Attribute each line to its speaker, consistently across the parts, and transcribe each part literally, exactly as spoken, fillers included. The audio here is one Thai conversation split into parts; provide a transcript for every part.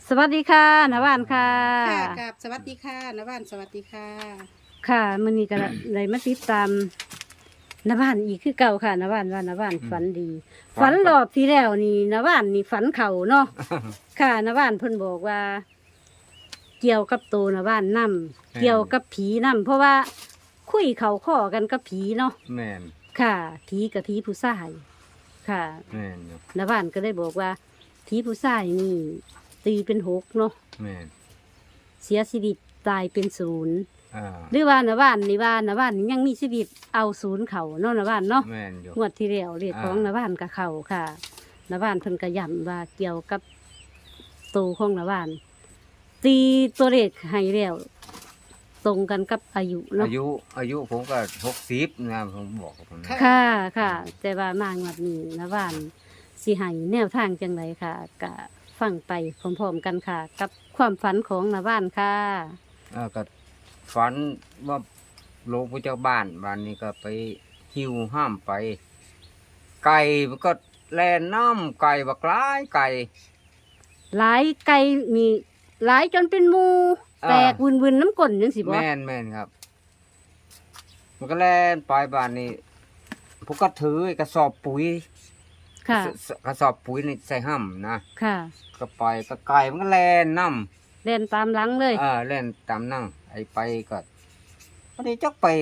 Speaker 1: สวัสดีค่ะนวานค่ะ
Speaker 2: ค่ะกับสวัสดีค่ะนว่านสวัสดีค่ะ
Speaker 1: ค่ะมื้อนี้ก็ได้มาติดตามนวานอีกคือเก่าค่ะนวานว่านวานฝันดี
Speaker 3: ฝั
Speaker 1: ฝั
Speaker 3: น
Speaker 1: น
Speaker 3: ครับ
Speaker 1: รอบที่แล้วนี่นวานนี่ฝันเข่าเนาะ ค่ะนวานเพิ่นบอกว่า เกี่ยวกับตัวนวานนํเกี่ยวกับผีนํเพราะว่าคุยเขาข้อกันกับผีเนาะ
Speaker 3: แม่น
Speaker 1: ค่ะผีกับผีผู้ชายค่ะ
Speaker 3: แม่นอยู่
Speaker 1: นวานก็ได้บอกว่าผีผู้ชายนี่ ตีเป็นหกเนาะ
Speaker 3: แม่น
Speaker 1: เสียชีวิตตายเป็นศูนย์
Speaker 3: อ่า
Speaker 1: หรือว่านว่านนี่ว่านว่านนี่ยังมีชีวิตเอาศูนย์เขาเนาะนว่านเนาะ
Speaker 3: แม่นอยู่
Speaker 1: งวดที่แล้วเรียกของ
Speaker 3: อ่าน
Speaker 1: ว่านกับเขาค่ะนว่านเพิ่นกระย่ำว่าเกี่ยวกับตูของนว่าน ตีตัวเลขให้แล้วตรงกันกับอายุเนาะ
Speaker 3: อายุอายุผมก็หกสิบนะผมบอกกับผมนะ
Speaker 1: ค่ะค่ะ แต่ว่ามางวดนี้นว่านสิให้แนวทางจังไรค่ะกะฟังไปพร้อมๆกันค่ะ กับความฝันของนว่านค่ะ
Speaker 3: อ่าก็ฝันว่าลงไปจากบ้านวันนี้ก็ไปหิวห้ามไป ไก่มันก็แล่นน้ำไก่บักร้ายไก่
Speaker 1: หลายไก่มีหลายจนเป็นหมู
Speaker 3: อ่า
Speaker 1: แตกวินวินน้ำก้นยังสิบ่
Speaker 3: แม่นแม่นครับ มันก็แล่นไปบ้านนี้ผมก็ถือไอ้กระสอบปุ๋ย
Speaker 1: ค่ะ
Speaker 3: สสกระสอบปุ๋ยนี่ใส่ห้ำนะ
Speaker 1: ค่ะ
Speaker 3: ก็ไปก็ไก่มันก็แล่นน้ำ
Speaker 1: เล่นตามหลังเลย
Speaker 3: เออเล่นตามนั่งไอ้ไปก็พอดีจักไป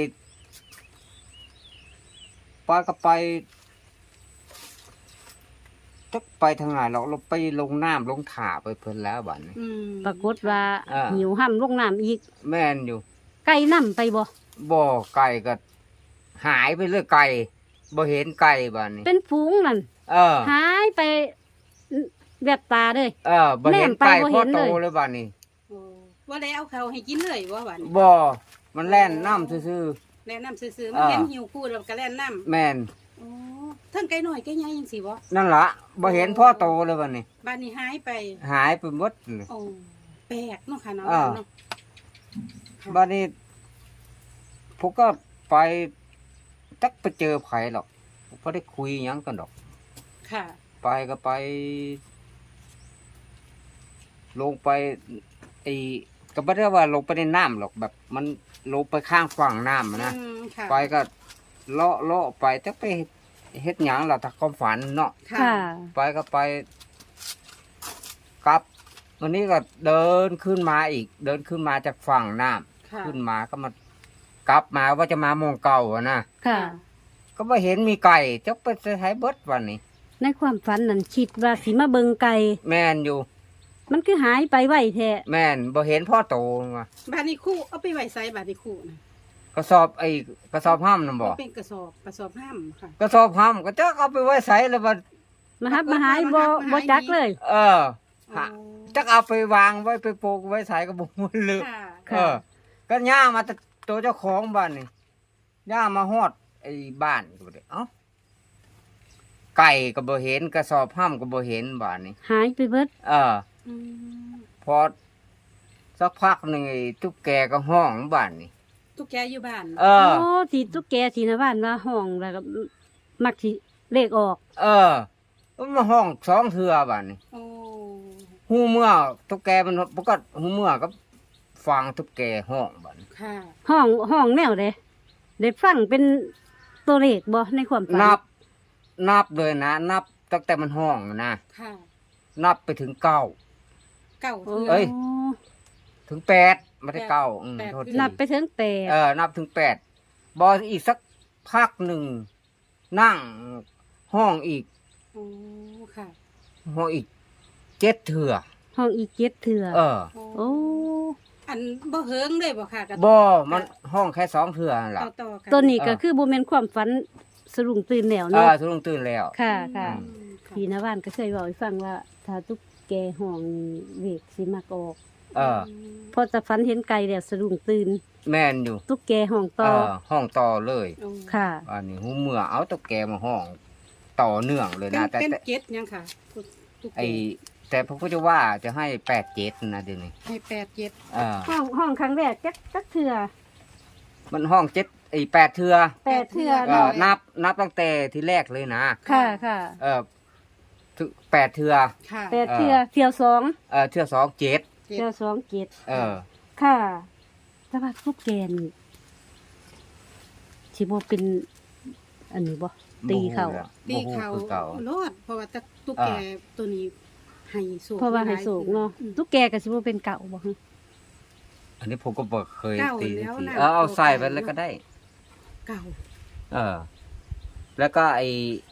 Speaker 3: ไปก็ไปจักไปทางไหนเราเราไปลงน้ำลงถ่าไปเพิ่นแล้วบัดนี้
Speaker 2: อืม
Speaker 1: ปรากฏว่า
Speaker 3: อ่า
Speaker 1: หิวห้ำลงน้ำอีก
Speaker 3: แม่นอยู่
Speaker 1: ไก่น้ำไปบ่
Speaker 3: บ่อไก่ก็หายไปเลยไก่บ่เห็นไก่บัดนี้
Speaker 1: เป็นฝูงนั่น
Speaker 3: เออ
Speaker 1: หายไปแบบตาเลย
Speaker 3: เออบ่เห็น
Speaker 1: แนมไป
Speaker 3: ไก่
Speaker 1: บ่
Speaker 3: พ
Speaker 1: เห็
Speaker 3: อน โต
Speaker 1: เลย
Speaker 3: เลยบัดนี้
Speaker 2: โอ้ว่าได้เอาเขาให้กินเลยว่าหวาน
Speaker 3: บ่มันแล่นน้ำซื่อ
Speaker 2: แล่นน้ำซื่อๆมัน
Speaker 3: อ่า
Speaker 2: เห็นหิวคู่แล้วก็แล่นน้
Speaker 3: ๆแม่น
Speaker 2: ำโอ้ทั้งไก่หน่อยไก่ใหญ่ยังสิบ่
Speaker 3: นั่นล่ะบ่เห็นพ่อโตเลยบัดนี้
Speaker 2: บ้านนี้หายไป
Speaker 3: หายไปหมดเลย
Speaker 2: โอ้แปลกเนาะค่ะเนาะ
Speaker 3: อ่า
Speaker 2: เนาะค่ะ
Speaker 3: บ้านนี้ผมก็ไปจักไปเจอไผหรอกผมก็ได้คุยหยังกันดอก
Speaker 2: ค่ะ
Speaker 3: ไปก็ไป ลงไปไอ้ก็ไม่ได้ว่าลงไปในน้ำหรอกแบบ มันลงไปข้างฝั่งน้ำอะนะ
Speaker 2: อืมค่ะ
Speaker 3: ไปก็เลาะเลาะไปจักไปเฮ็ดหยังล่ะถ้าความฝันเนาะ
Speaker 2: ค่ะ
Speaker 1: ค่ะ
Speaker 3: ไปก็ไปกลับ วันนี้ก็เดินขึ้นมาอีก เดินขึ้นมาจากฝั่งน้ำ
Speaker 2: ค่ะ
Speaker 3: ขึ้นมาก็มากลับมาว่าจะมามองเก่าอะนะ
Speaker 1: ค่ะ
Speaker 3: ก็ไม่เห็นมีไก่จะไปใช้เบิดวันนี้
Speaker 1: ในความฝันนั่นคิดว่าสิมาเบิงไก่
Speaker 3: แม่นอยู่
Speaker 1: มันคือหายไปไวแท้
Speaker 3: แม่นบ่เห็นพ่อโตมา
Speaker 2: บ้านนี้คู่เอาไปไว้ไสบ้านนี้คู่นะ
Speaker 3: กระสอบไอ้กระสอบห้ามน่ะบ่
Speaker 2: มันเป็นกระสอบกระสอบห้ามค่ะ
Speaker 3: กระสอบห้ามก็จะเอาไปไว้ใส่แล้วมัน
Speaker 1: มาฮับมาหายบ่บ่จักเลย
Speaker 3: เออ
Speaker 2: โอ้
Speaker 3: ฮะจักเอาไปวางไว้ไปโปกไว้ใส่ก็บ่มันลึก
Speaker 2: ค่ะ
Speaker 3: เออ ก็ย่างมาแต่ตัวเจ้าของบ้านนี่ย่างมาฮอดไอ้บ้านก็บ่ได้เอ้าไก่ก็บ่เห็นกระสอบห้ามก็บ่เห็นบ้านนี่
Speaker 1: หายไปเบิด
Speaker 3: เออ
Speaker 2: อืม
Speaker 3: พอสักพักหนึ่งไอ้ตุ๊กแกก็ห้องบ้านนี่
Speaker 2: ตุ๊กแกอยู่บ้าน
Speaker 3: เออ
Speaker 1: โอ้ที่ตุ๊กแกที่นะบ้านว่าห้องแล้วก็มักสิเลขออก
Speaker 3: เออมันมาห้องสองเทือบ้านนี่
Speaker 2: โอ้
Speaker 3: หูเมื่อตุ๊กแกมันปกติหูเมื่อก็ฟังตุ๊กแกห้องบ้านนี่
Speaker 2: ค่ะ
Speaker 1: ห้องห้องแนวเด้ได้ฟังเป็นตัวเลขบ่ในความฝัน
Speaker 3: นับ นับเลยนะ นับตั้งแต่มันห้องนะ
Speaker 2: ค่ะ
Speaker 3: นับไปถึงเก้า
Speaker 2: เก่า
Speaker 1: โอ้
Speaker 2: เทื่อ
Speaker 3: เอ้ย ถึงแปดไม่ได้เก้าอืม
Speaker 2: แปด
Speaker 3: โทษที
Speaker 1: นับไปถึงแปด
Speaker 3: เออ นับถึงแปดบออีกสักพักหนึ่ง นั่งห้องอีก
Speaker 2: โอ้ค่ะ
Speaker 3: ห้องอีกเจ็ดเถื่อ
Speaker 1: ห้องอีกเจ็ดเถื่อ
Speaker 3: เออ
Speaker 1: โอ้
Speaker 2: อันบ่เฮิงเลยบ่ค่ะกระ
Speaker 3: บอมันห้องแค่สองเถื่อนั่นล่ะ
Speaker 2: ต่อต่อกัน
Speaker 1: ตัวนี้ก็
Speaker 3: เออ
Speaker 1: คือบ่แม่นความฝันสรุงตื่นแล้ว
Speaker 3: เอ
Speaker 1: เนาะ
Speaker 3: อทุกลงตื่นแล้ว
Speaker 1: ค่ะค่ะ
Speaker 2: อืมค่ะ
Speaker 1: พี่นะบ้านก็เคยบอกให้ฟังว่า ถ้าตุ๊กแกห้องเวกสิมักออก
Speaker 3: เออ
Speaker 1: พอจะฝันเห็นไก่แล้วสะดุ้งตื่น
Speaker 3: แม่นอยู่
Speaker 1: ตุ๊กแกห้อง
Speaker 3: เอ
Speaker 1: ต่อ
Speaker 3: อ ห้องต่อเลย
Speaker 2: โอ้
Speaker 1: ค่ะ
Speaker 3: อันนี้หูเมื่อเอาตุ๊กแกมาห้อง ต่อเนื่องเลย
Speaker 2: เป็น
Speaker 3: นะ แต่
Speaker 2: เป็น
Speaker 3: แต่
Speaker 2: เจ็ดยังค่ะตุ๊กแก
Speaker 3: ไอแต่พระพุทธว่าจะให้แปดเจ็ดนะเดี๋ยวนี้
Speaker 2: ให้แปดเจ็ด
Speaker 3: เออ
Speaker 1: ห้องห้องครั้งแรกจักจักเถื่อ
Speaker 3: มันห้องเจ็ดไอแปดเทือ
Speaker 1: แปดเถื่อ
Speaker 3: เออ
Speaker 1: เนาะ
Speaker 3: นับนับตั้งแต่ที่แรกเลยนะ
Speaker 1: ค่ะค่ะ
Speaker 3: เออถึแปดเทื่อ
Speaker 2: ค่ะ
Speaker 1: แปดเทื่อเที่ยวสอง
Speaker 3: เออเทื่อสองเจ็ด
Speaker 2: เจ็ด
Speaker 1: เที่ยวสองเจ็ด
Speaker 3: เออ
Speaker 1: ค่ะแต่ว่าตุ๊กแกนี่สิบ่เป็น อันนี้บ่ตีเขา
Speaker 2: ตีเขา
Speaker 3: บ่ฮู้คือเก่า
Speaker 2: โลดเพราะว่าตะตุ๊กแกตัวนี้ให้สูง
Speaker 1: เพราะว่าให้สูงเนาะ
Speaker 2: อืม
Speaker 1: ตุ๊กแกก็สิบ่เป็นเก่าบ่ฮึ
Speaker 3: อันนี้ผมก็บ่เคย
Speaker 2: เก่า
Speaker 3: ตี
Speaker 2: แล้ว
Speaker 3: ที
Speaker 2: นะ
Speaker 3: เออเอาใส่ไป
Speaker 2: เก่า
Speaker 3: เลยก็ได้
Speaker 2: เก่า
Speaker 3: เออ แล้วก็ไอ้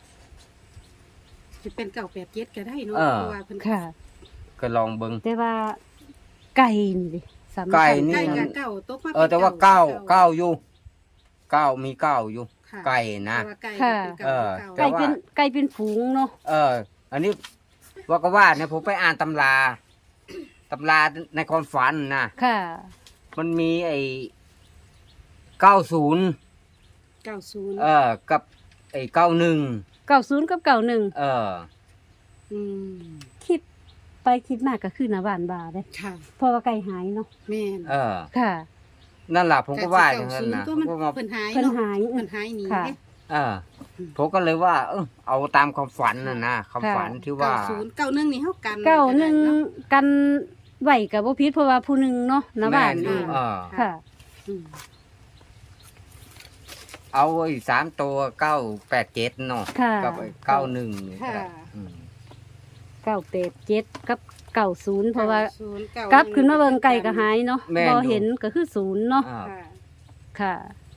Speaker 2: จะเป็นเก่าแปดเจ็ดก็ได้เนาะ
Speaker 3: เออ
Speaker 2: เพราะว่าเพิ่น
Speaker 1: ค่ะ
Speaker 3: ก็ลองเบิ่ง
Speaker 1: แต่ว่าไก่นี่ดิสำคัญ
Speaker 3: ไก่นี่
Speaker 2: ใกล้กับเก่าตกมา
Speaker 3: เออ แต่ว่าเก้าเก้าอยู่เก้ามีเก้าอยู่
Speaker 2: ค่ะ
Speaker 3: ไก่นะ
Speaker 2: แต่ว่าไก่
Speaker 1: ค่ะ
Speaker 2: เป็น
Speaker 3: เอ
Speaker 2: เก่า
Speaker 3: อ
Speaker 2: เก่า
Speaker 1: ไก่เป็นไก่เป็นฝูงเนาะ
Speaker 3: เออ อันนี้ว่าก็ว่าเนี่ยผมไปอ่านตำราตำราในความฝันนะ
Speaker 1: ค่ะ
Speaker 3: มันมีไอ้เก้าศูนย์
Speaker 2: เก้าศูนย์
Speaker 3: เออ กับไอ้เก้าหนึ่ง
Speaker 1: เก้าศูนย์กับเก้าหนึ่ง
Speaker 3: เออ
Speaker 2: อืม
Speaker 1: คิดไปคิดมาก็คือหน้าบ้านบาเด้
Speaker 2: ค่ะแม่น
Speaker 3: เออ
Speaker 1: ค่ะ
Speaker 3: นั่นแหละผมก็ว่าอ
Speaker 2: เก้า
Speaker 3: ย่างนั้น
Speaker 2: ศูนย์
Speaker 3: นะ
Speaker 2: ก็
Speaker 3: ผม
Speaker 2: มัน
Speaker 3: ก็มา
Speaker 2: เพิ่นหาย
Speaker 1: เพิ่น
Speaker 2: เนาะ
Speaker 1: หาย
Speaker 2: เพิ่นหายหนี
Speaker 1: ค่ะ
Speaker 2: เด้
Speaker 3: เออ ผมก็เลยว่า เออเอาตามความฝันน่ะนะความฝันที่ว่า
Speaker 2: เก้าศูนย์เก้าหนึ่งนี่เฮากัน
Speaker 1: เก้าหนึ่ง
Speaker 2: ก็ได้เาะ
Speaker 1: กันไหวกับบ่ผิดเพราะว่าผู้หนึงเนาะหน้าบ้าน
Speaker 3: แม่
Speaker 1: เอง
Speaker 3: เออ
Speaker 1: ค่ะ
Speaker 2: อืม
Speaker 3: เอาไอ้สามตัวเก้าแปดเจ็ดเนาะ
Speaker 1: ค่ะ
Speaker 3: กับไอ้เก้าหนึ่ง
Speaker 2: ค่ะ
Speaker 3: อืม
Speaker 1: เก้าแปดเจ็ดกับเก้าศูนย์เพราะว่า
Speaker 2: ก้ศูนย์เก้าก
Speaker 1: ลับขึ้นมาเบิ่งไก่ก็หายเนาะ
Speaker 3: แม่น
Speaker 1: บ่
Speaker 3: อยู่
Speaker 1: เห็นก็คือศูนย์เนาะ
Speaker 3: อ่า
Speaker 2: ค่ะ
Speaker 1: ค่ะ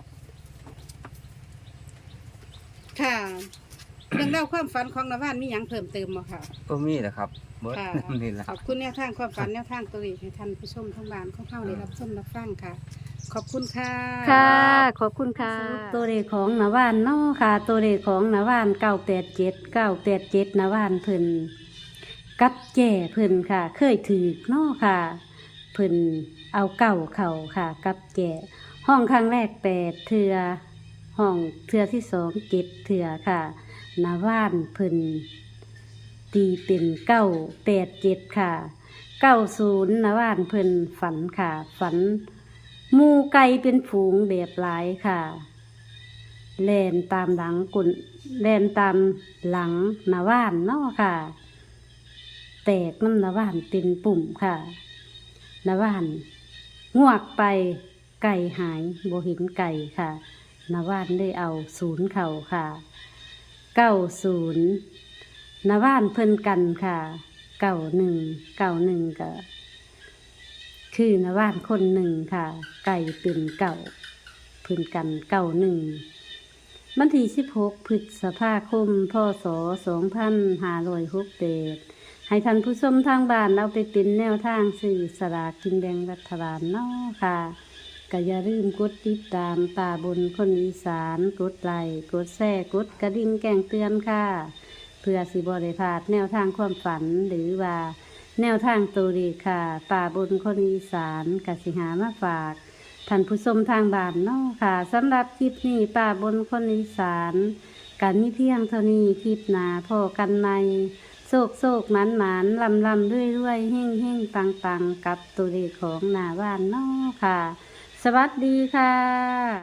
Speaker 2: ค่ะเรื่องเล่าวความฝันของนวานมีหยังเพิ่มเติมบ่ค่ะ
Speaker 3: ก็มีแหละครับเบิด
Speaker 2: ค่ะ
Speaker 3: นี่แหละ
Speaker 2: ขอบคุณแนวทางความฝันแนวทางตัวเลขให้ท่านผู้ชมทั้งบ้านของเฮาได้รับชมรับฟังค่ะ ขอบคุณค่ะ
Speaker 1: ค่ะ ขอบคุณค่ะ ตัวเลขของนาวานเนาะค่ะ ตัวเลขของนาวานเก้าแปดเจ็ดเก้าแปดเจ็ดนาวานเพิ่นกับแจ่เพิ่นค่ะ เคยถือเนาะค่ะ เพิ่นเอาเก่าเข่าค่ะ กับแจ่ห้องครั้งแรกแปดเทือห้องเทือที่สองเจ็ดเทือค่ะนาวานเพิ่นตีเป็นเก้าแปดเจ็ดค่ะเก้าศูนย์นาวานเพิ่นฝันค่ะ ฝัน หมูไก่เป็นฝูงแบบหลายค่ะแล่นตามหลังกุนแล่นตามหลังนาว่านเนาะค่ะ แตกน้ำนาว่านเป็นปุ่มค่ะนาว่านงวกไปไก่หายโบเห็นไก่ค่ะนาว่านได้เอาศูนย์เข่าค่ะเก้าศูนย์นาว่านเพิ่นกันค่ะเก้าหนึ่งเก้าหนึ่งก็คือนว่านคนหนึ่งค่ะ ไก่เป็นเก่าพื้นกันเก่าหนึ่งวันที่สิบหกพฤษภาคมพศสองพันห้าร้อยหกเดให้ท่านผู้ชมทางบ้านเอาไปเป็นแนวทางสื่อสลากกินแบ่งรัฐบาลเนาะค่ะก็อย่าลืมกดติดตามป่าบนคนอีสานกดไลค์กดแชร์กดกระดิ่งแจ้งเตือนค่ะ เพื่อสิบริพลาดแนวทางความฝันหรือว่าแนวทางตัวเลขค่ะ ป่าบนคนอีสานกสิหามาฝากท่านผู้ชมทางบ้านเนาะค่ะสำหรับคลิปนี้ป่าบนคนอีสานกันมีเพียงเท่านี้คลิปหนาพอกันในโศกโศกหมานหมานลำลำด้วยด้วยเฮ่งเฮ่งปังปังกับตัวเลขของหนาบ้านเนาะค่ะ สวัสดีค่ะ